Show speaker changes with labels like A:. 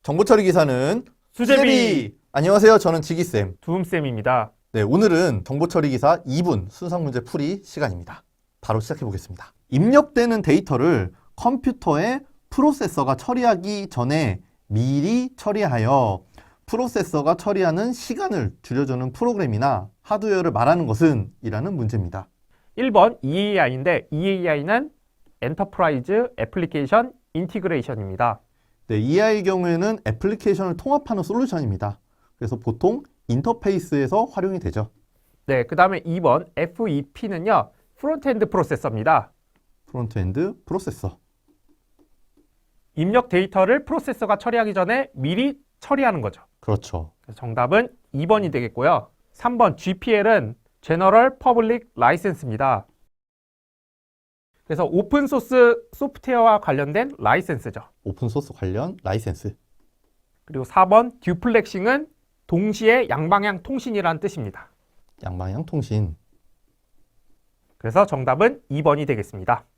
A: 정보처리 기사는
B: 수제비
A: 안녕하세요. 저는 지기쌤.
B: 두음쌤입니다.
A: 네, 오늘은 정보처리 기사 2분 순삭 문제 풀이 시간입니다. 바로 시작해 보겠습니다. 입력되는 데이터를 컴퓨터의 프로세서가 처리하기 전에 미리 처리하여 프로세서가 처리하는 시간을 줄여주는 프로그램이나 하드웨어를 말하는 것은 이라는 문제입니다.
B: 1번 EAI인데 EAI는 엔터프라이즈 애플리케이션 인티그레이션입니다.
A: 네, EI의 경우에는 애플리케이션을 통합하는 솔루션입니다. 그래서 보통 인터페이스에서 활용이 되죠.
B: 네, 그 다음에 2번 FEP는요. 프론트엔드 프로세서입니다.
A: 프론트엔드 프로세서.
B: 입력 데이터를 프로세서가 처리하기 전에 미리 처리하는 거죠.
A: 그렇죠.
B: 그래서 정답은 2번이 되겠고요. 3번 GPL은 General Public License입니다. 그래서 오픈소스 소프트웨어와 관련된 라이센스죠.
A: 오픈소스 관련 라이센스.
B: 그리고 4번 듀플렉싱은 동시에 양방향 통신이라는 뜻입니다.
A: 양방향 통신.
B: 그래서 정답은 2번이 되겠습니다.